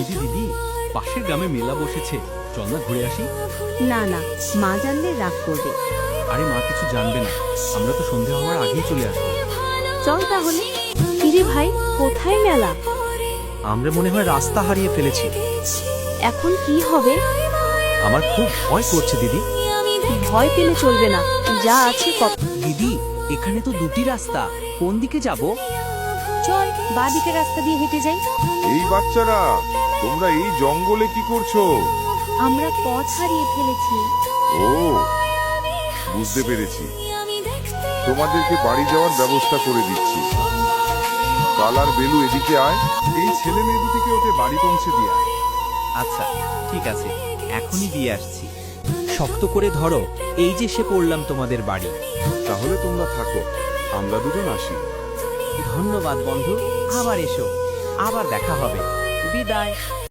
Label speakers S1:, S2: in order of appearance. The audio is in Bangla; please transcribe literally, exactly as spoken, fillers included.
S1: দিদি দিদি পাশের গ্রামে মেলা বসেছে, চল না ঘুরে আসি।
S2: না না, মা জানলে রাগ করবে।
S1: আরে মা কিছু জানবে না, আমরা তো সন্ধে হওয়ার আগেই চলে আসবো।
S2: চল তাহলে। কিরে ভাই, কোথায় মেলা?
S1: আমরা মনে হয় রাস্তা হারিয়ে ফেলেছি।
S2: এখন কি হবে?
S1: আমার খুব ভয় করছে দিদি।
S2: ভয় পেলে চলবে না, যা আছে কত।
S1: দিদি এখানে তো দুটি রাস্তা, কোন দিকে যাব?
S2: চল বা দিকের রাস্তা দিয়ে হেঁটে যাই।
S3: এই বাচ্চারা, তোমরা এই জঙ্গলে কি করছো?
S2: আমরা পথ হারিয়ে ফেলেছি।
S3: ও, বুঝতে পেরেছি। তোমাদেরকে বাড়ি যাওয়ার ব্যবস্থা করে দিচ্ছি। কাল আর বেলু, এদিকে আয়।
S4: এই ছেলে মেয়ে দুটিকে ওদের বাড়ি পৌঁছে দিয়ে আয়।
S1: আচ্ছা ঠিক আছে, এখনই দিয়ে আসছি। শক্ত করে ধরো, এই যে সে পড়লাম তোমাদের বাড়ি।
S3: তাহলে তোমরা থাকো, আমরা দুজন আসি।
S1: ধন্যবাদ বন্ধু, আবার এসো, আবার দেখা হবে। বিদায়।